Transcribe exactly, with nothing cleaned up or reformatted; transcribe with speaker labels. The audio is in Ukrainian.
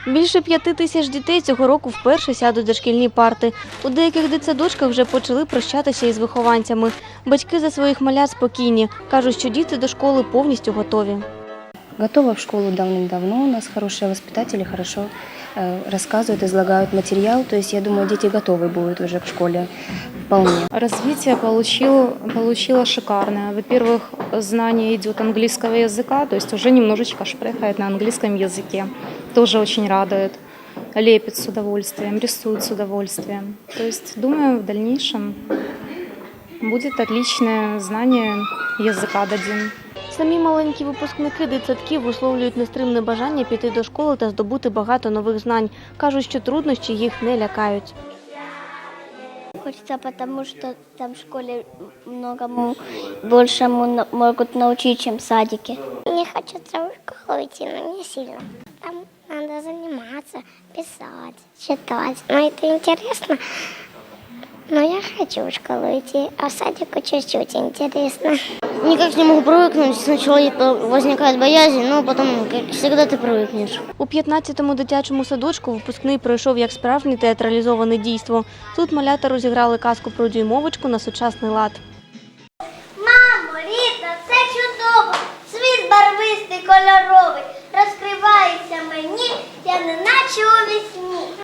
Speaker 1: Більше п'яти тисяч дітей цього року вперше сядуть за шкільні парти. У деяких дитсадочках вже почали прощатися із вихованцями. Батьки за своїх малят спокійні. Кажуть, що діти до школи повністю готові.
Speaker 2: Готова в школу давным-давно. У нас хорошие воспитатели, хорошо э, рассказывают, излагают материал. То есть, я думаю, дети готовы будут уже к школе вполне.
Speaker 3: Развитие получил, получила шикарное. Во-первых, знание идет английского языка, то есть уже немножечко шпрехает на английском языке. Тоже очень радует. Лепит с удовольствием, рисует с удовольствием. То есть, думаю, в дальнейшем будет отличное знание языка дадим.
Speaker 1: Самі маленькі випускники дитсадків висловлюють нестримне бажання піти до школи та здобути багато нових знань. Кажуть, що труднощі їх не лякають.
Speaker 4: Хочется, потому что там в школе многому большему могут научить, чем в садике. Мне хочется в школу идти, но не сильно. Там надо заниматься, писать, читать. Но это интересно. Но я хочу в школу идти, а в садику чуть-чуть интересно.
Speaker 5: Никак не могу привыкнуть. Сначала возникает боязнь, но потом, как всегда, ты привыкнешь.
Speaker 1: У п'ятнадцятому дитячому садочку випускний пройшов як справжнє театралізоване дійство. Тут малята розіграли казку про дюймовочку на сучасний лад.